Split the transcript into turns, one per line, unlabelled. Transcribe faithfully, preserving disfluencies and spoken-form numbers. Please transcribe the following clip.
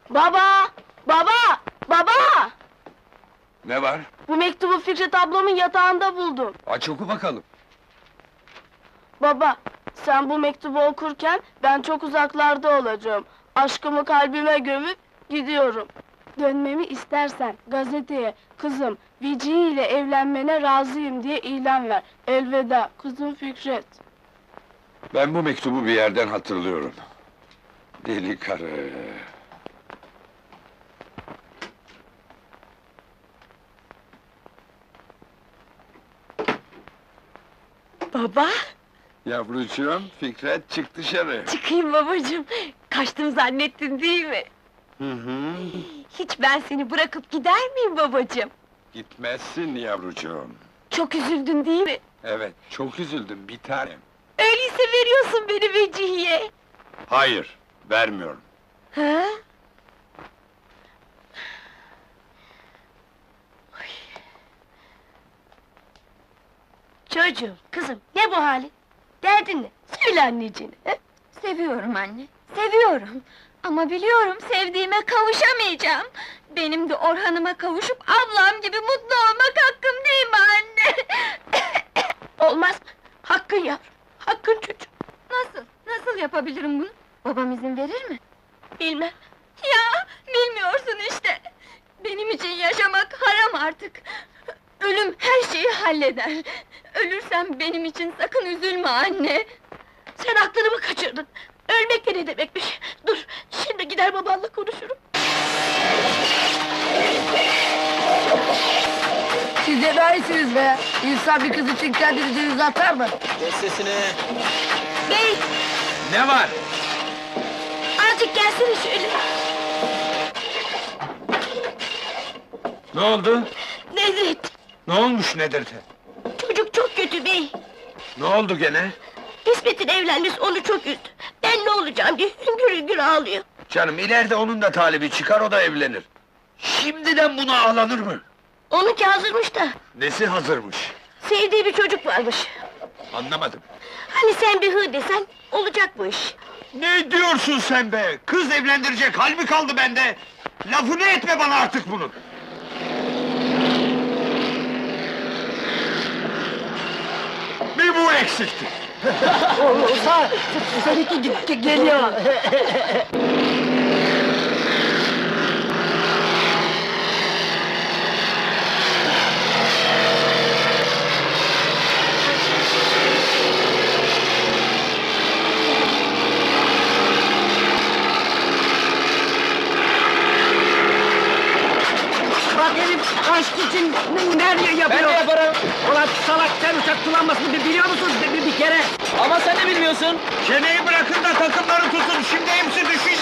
Baba! Baba! Baba!
Ne var?
Bu mektubu Fikret ablamın yatağında buldum.
Aç oku bakalım.
Baba, sen bu mektubu okurken ben çok uzaklarda olacağım. Aşkımı kalbime gömüp gidiyorum. Dönmemi istersen gazeteye kızım Vecihi ile evlenmene razıyım diye ilan ver. Elveda kızım Fikret.
Ben bu mektubu bir yerden hatırlıyorum. Deli karı!
Baba,
Yavrucuğum, Fikret çık dışarı.
çıkayım babacığım. Kaçtım zannettin değil mi?
Hı hı.
Hiç ben seni bırakıp gider miyim babacığım?
Gitmezsin yavrucuğum.
Çok üzüldün değil mi?
Evet, çok üzüldüm bir tanem.
Öyleyse veriyorsun beni Vecihi'ye.
Hayır, vermiyorum.
Ha?
Çocuğum, kızım ne bu hali? Derdin ne? Söyle anneciğine. he?
Seviyorum anne, seviyorum. Ama biliyorum sevdiğime kavuşamayacağım. Benim de Orhan'ıma kavuşup ablam gibi mutlu olmak hakkım değil mi anne?
Olmaz mı? Hakkın yavrum, hakkın çocuğum.
Nasıl, nasıl yapabilirim bunu? Babam izin verir mi?
Bilmem.
Ya, bilmiyorsun işte! Benim için yaşamak haram artık! Ölüm her şeyi halleder! Ölürsem benim için sakın üzülme anne!
Sen aklını mı kaçırdın? Ölmek de ne demekmiş? Dur, şimdi gider babanla konuşurum.
Siz de daha iyisiniz be! İnsan bir kız için kendini denize atar mı?
Kes sesini!
Bey,
Ne var?
azıcık gelsene şöyle.
Ne oldu?
Nedret,
Ne olmuş Nedir'te?
çocuk çok kötü bey.
Ne oldu gene?
İsmet'in evlenmesi onu çok üzdü. Ben ne olacağım diye hüngür hüngür ağlıyor.
Canım ileride onun da talibi çıkar, o da evlenir. Şimdiden buna ağlanır mı?
Onunki hazırmış da,
Nesi hazırmış?
sevdiği bir çocuk varmış.
Anlamadım.
Hani sen bir hı desen, olacak bu iş.
Ne diyorsun sen be? Kız evlendirecek hal mi kaldı bende? Lafını etme bana artık bunu! Bir bu eksikti!
Olsa seninki ge- geliyor! Bak herif aşk için ne- nerede yapıyor?
Ben de yaparım!
Ulan salak sen uçak kullanmasını bi- biliyor musun bir, bir kere?
Ama sen de bilmiyorsun!
Çeneyi bırakın da takımları tutun, şimdi hepsi düşecek!